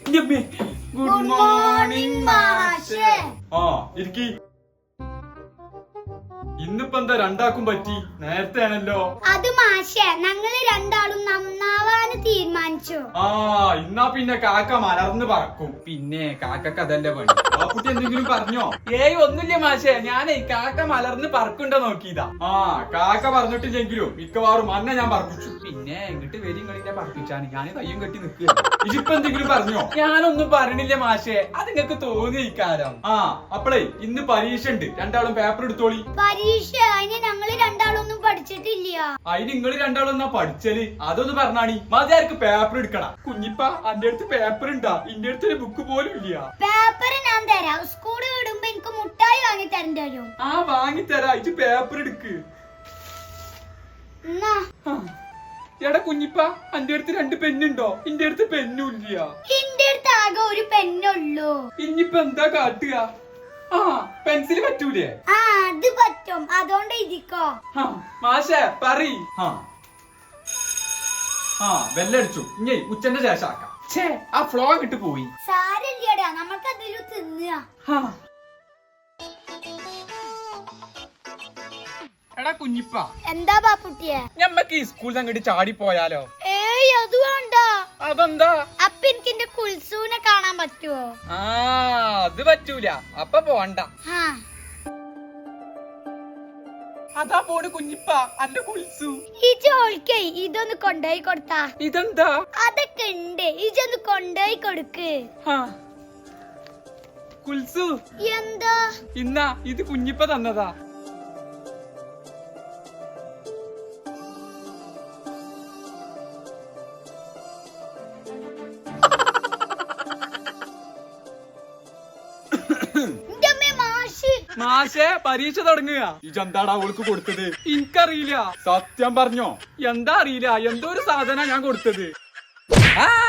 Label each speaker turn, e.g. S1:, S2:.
S1: Good morning മാഷേ.
S2: ആ ഇരിക്കി. ഇന്നിപ്പോ എന്താ രണ്ടാക്കും പറ്റി? നേരത്തെ ആണല്ലോ.
S1: അത് മാഷേ, ഞങ്ങള് രണ്ടാളും നന്നാവാന് തീരുമാനിച്ചു.
S2: ആ ഇന്നാ പിന്നെ കാക്ക മലർന്ന് പറക്കും. പിന്നെ കാക്കക്ക് അതല്ലേ പണി. ആ കുട്ടി എന്തെങ്കിലും പറഞ്ഞോ?
S3: ഏയ് ഒന്നുമില്ല മാഷേ, ഞാനേ കാക്ക മലർന്ന് പറക്കുണ്ടോ നോക്കിയതാ.
S2: ആ കാക്ക പറഞ്ഞിട്ടില്ലെങ്കിലും മിക്കവാറും അന്നെ ഞാൻ പറപ്പിച്ചു.
S3: പിന്നെ എങ്ങിട്ട് വരും കളിക്കാൻ പറപ്പിച്ചാണ് ഞാൻ കയ്യും കെട്ടി നിക്കുക.
S2: ഇതിപ്പോ എന്തെങ്കിലും പറഞ്ഞോ?
S3: ഞാനൊന്നും പറയണില്ല മാഷേ, അത് നിങ്ങക്ക് തോന്നിയിക്കാരം.
S2: ആ അപ്പളേ ഇന്ന് പരീക്ഷ ഉണ്ട്, രണ്ടാളും പേപ്പർ എടുത്തോളി.
S1: പരീക്ഷ അതിന് ഞങ്ങള് രണ്ടാളൊന്നും പഠിച്ചിട്ടില്ല.
S2: അതിന് നിങ്ങള് രണ്ടാളും എന്നാ പഠിച്ചല്? അതൊന്ന് പറഞ്ഞാണി. മതിയാർക്ക് പേപ്പർ എടുക്കണം. കുഞ്ഞിപ്പ അന്റെ അടുത്ത് പേപ്പർ ഉണ്ടാ? ഇന്റെ അടുത്തൊരു ബുക്ക് പോലും ഇല്ല.
S1: പേപ്പർ ഞാൻ തരാം. സ്കൂള് വിടുമ്പോ എനിക്ക് മുട്ടായി വാങ്ങി തരേണ്ടി വരും.
S2: ആ വാങ്ങിത്തരാ. ഇത് പേപ്പർ എടുക്ക്.
S1: എന്നാ
S3: എടാ കുഞ്ഞിപ്പ, അന്റെ അടുത്ത് 2 പെന്നുണ്ടോ? ഇന്റെ അടുത്ത് പെന്നും ഇല്ല.
S1: എന്റെ അടുത്ത് ആകെ ഒരു പെന്നുള്ളൂ.
S3: ഇനിയിപ്പ എന്താ കാട്ടുക? ആ പെൻസിൽ പറ്റൂലേ?
S1: ആ അത് പറ്റും, അതുകൊണ്ട് ഇരിക്കോ.
S3: മാഷേ പറീ.
S2: ആ ബെല്ലടിച്ചു. ഇനി ഉച്ചന്റെ ശേഷം ആക്കാം.
S3: ഛേ, ആ ഫ്ലോ കിട്ടു പോയി.
S1: സാരല്ലേടാ, നമുക്ക് അതിലും തിന്നുക.
S3: എടാ കുഞ്ഞിപ്പ,
S1: എന്താ ബാപ്പുട്ടിയെ?
S3: ഞമ്മക്ക് ഈ സ്കൂളിൽ അങ്ങോട്ട് ചാടി പോയാലോ?
S1: ഏയ് അത് വേണ്ട.
S3: അതെന്താ?
S1: അപ്പൊ എനിക്ക് എന്റെ കുൽസൂനെ കാണാൻ പറ്റുവോ?
S3: ആ അത് പറ്റൂല, അപ്പൊ പോണ്ട. അതാ പോണ് കുഞ്ഞിപ്പ അന്റെ കുൽസു.
S1: ഈ ചോൾക്കേ ഇതൊന്ന് കൊണ്ടുപോയി കൊടുത്താ.
S3: ഇതെന്താ?
S1: അതൊക്കെ ഉണ്ട്, ഇതൊന്ന് കൊണ്ടുപോയി കൊടുക്ക്.
S3: കുൽസു
S1: എന്താ?
S3: ഇന്നാ ഇത് കുഞ്ഞിപ്പ തന്നതാ. മാഷേ പരീക്ഷ തുടങ്ങുക.
S2: ഇജെന്താടാ അവൾക്ക് കൊടുത്തത്?
S3: എനിക്കറിയില്ല.
S2: സത്യം പറഞ്ഞോ?
S3: എന്താ അറിയില്ല, എന്തോ ഒരു സാധന ഞാൻ കൊടുത്തത്.